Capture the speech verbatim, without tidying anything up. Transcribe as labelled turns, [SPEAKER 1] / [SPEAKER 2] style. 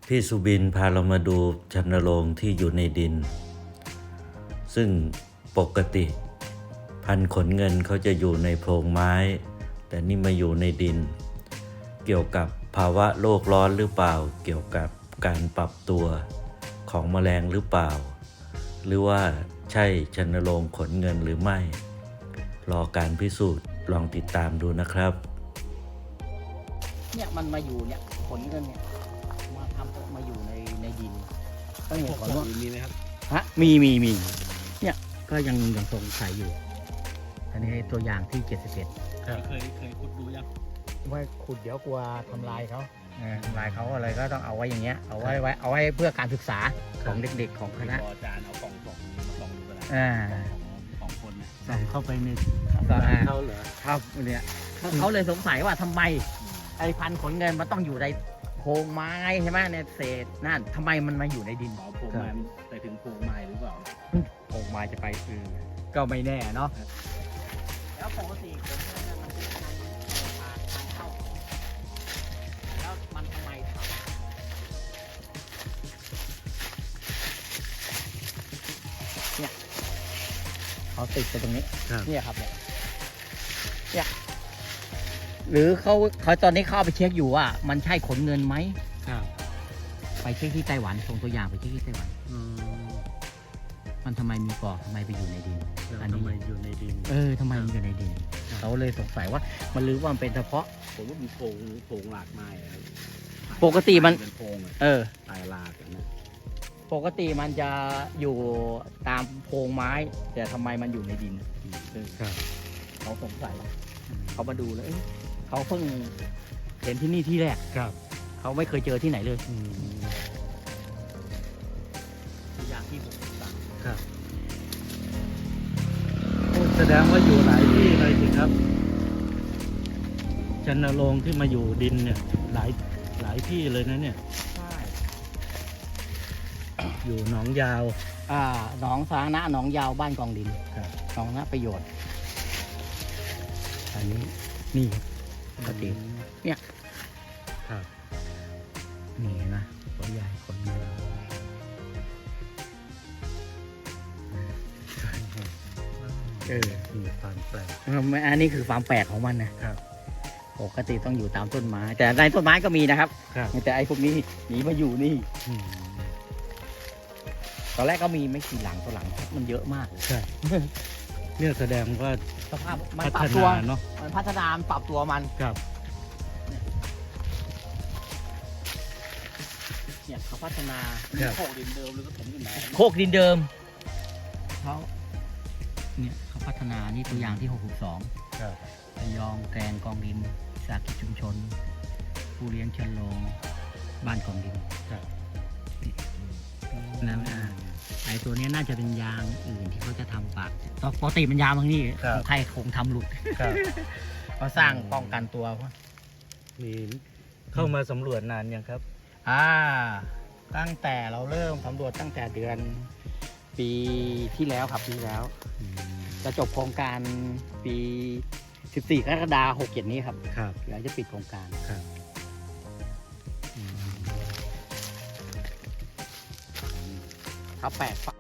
[SPEAKER 1] พี่สุบินพาเรามาดูชันโรงที่อยู่ในดินซึ่งปกติพันขนเงินเขาจะอยู่ในโพรงไม้แต่นี่มาอยู่ในดินเกี่ยวกับภาวะโลกร้อนหรือเปล่าเกี่ยวกับการปรับตัวของแมลงหรือเปล่าหรือว่าใช่ชันโรงขนเงินหรือไม่รอการพิสูจน์ลองติดตามดูนะครับ
[SPEAKER 2] เนี่ยมันมาอยู่เนี่ยขนเงินเนี่ยมาทำมาอยู่ในในดินก็เห็นขนว่ามีไหมครับฮะมีมีมีเนี่ยก็ยังยังสงสัยอยู่อันนี้ตัวอย่างที่เจ็ดสิบเอ็ด
[SPEAKER 3] เคยเคยขุดดูยัง
[SPEAKER 2] ว่าขุดเดี๋ยวกลัวทำลายเขาทำลายเขาอะไรก็ต้องเอาไว้อย่างเงี้ยเอาไว้ไว้เอาไว้เพื่อการศึกษาของเด็กๆของคณะ
[SPEAKER 3] อาจารย์เอากล่องกล่องมากล่องดูก็ได้
[SPEAKER 2] อ่า
[SPEAKER 3] ของคนนะ
[SPEAKER 2] ส่องเข้าไปใน
[SPEAKER 3] เขาเหรอ
[SPEAKER 2] ครับเนี่ยเขาเลยสงสัยว่าทำไมไอ้พันขนเงินมันต้องอยู่ในโพรงไม้ใช่ไหมในเศษนั่นทำไมมันมาอยู่ในดิน
[SPEAKER 3] โพรงไม้ไปถึงโพรงไม้หรือเปล่า
[SPEAKER 2] โพรงไม้จะไปคือก็ไม่แน่เนาะแล้วปกติขนเงินมันเป็นทางทางเข้าแล้วมันทำไมเนี่ยเขาติดไปตรงนี้เนี่ยครับเนี่ยเนี่ยหรือเขาเขาตอนนี้เข้าไปเช็คอยู่ว่ามันใช่ขนเงินไหมไปเช็คที่ไต้หวันส่งตัวอย่างไปเช็คที่ไต้หวันมันทำไมมีปอกทำไมไปอยู่ในดิน
[SPEAKER 3] อันนี้ทำไมอยู่ในดิน
[SPEAKER 2] เออทำไมมันอยู่ในดินเขาเลยสงสัยว่ามันรู้ว่ามันเป็นเฉพาะ
[SPEAKER 3] ผมว่ามีโพรงโพรงหลากไม้
[SPEAKER 2] ปกติมัน
[SPEAKER 3] เป็นโพรง
[SPEAKER 2] เออ
[SPEAKER 3] ตายหลากนะ
[SPEAKER 2] ปกติมันจะอยู่ตามโพรงไม้แต่ทำไมมันอยู่ในดินเขาสงสัยเขามาดูแล้วเขาเพิ่งเห็นที่นี่ที่แรก
[SPEAKER 3] ครับ
[SPEAKER 2] เขาไม่เคยเจอที่ไหนเลยตัวอย่างที่ผมสั่ง
[SPEAKER 3] ครับแสดงว่าอยู่หลายที่เลยสิครับชันโรงที่มาอยู่ดินเนี่ยหลายหลายที่เลยนะเนี่ย
[SPEAKER 2] ใช่
[SPEAKER 3] อยู่หนองยาว
[SPEAKER 2] อ่าหนองสาธารณะหนองยาวบ้านกองดินครับหนองนะประโยชน์อันนี้นี่ปกติเนี่ย
[SPEAKER 3] ครับ
[SPEAKER 2] นี่นะตัวใหญ่คนเยอะเออ
[SPEAKER 3] มีความแปลก
[SPEAKER 2] อันนี้คือความแปลกของมันนะครับปกติต้องอยู่ตามต้นไม้แต่ในต้นไม้ก็มีนะครับแต่ไอ้พวกนี้หนีมาอยู่นี่ตอนแรกก็มีไม่กี่หลังตัวหลังมันเยอะมาก
[SPEAKER 3] ใช่เนี่ยแสดงว่า
[SPEAKER 2] สภาพมันปรับตัวเนาะมันพัฒนาปรับตัวมัน
[SPEAKER 3] ครับ
[SPEAKER 2] เนี่ยเขาพัฒนา
[SPEAKER 3] โคกดินเดิมหรือก็ถมดินใหม่
[SPEAKER 2] โคกดินเดิมเขาเนี่ยเขาพัฒนานี่ตัวอย่างที่หกสิบสองระยองแกลงกองดินสากิจชุมชนผู้เลี้ยงชันโรงบ้านกองดินนั่นอ่ะไอ้ตัวนี้น่าจะเป็นยางอื่นที่เขาจะทำปากปกติมันยางบางนี่ใครคงทำหลุดเขาสร้างป้องกันตัว
[SPEAKER 3] มีเข้ามาสำรวจนานยังครับ
[SPEAKER 2] อ่าตั้งแต่เราเริ่มสำรวจตั้งแต่เดือนปีที่แล้วครับปีแล้วจะจบโครงการปีสิบสี่กรกฎาคมหกเจ็ดนี้ครับ
[SPEAKER 3] ครับ
[SPEAKER 2] เดี๋ยวจะปิดโครงการ
[SPEAKER 3] ครับ
[SPEAKER 2] เขาแปลก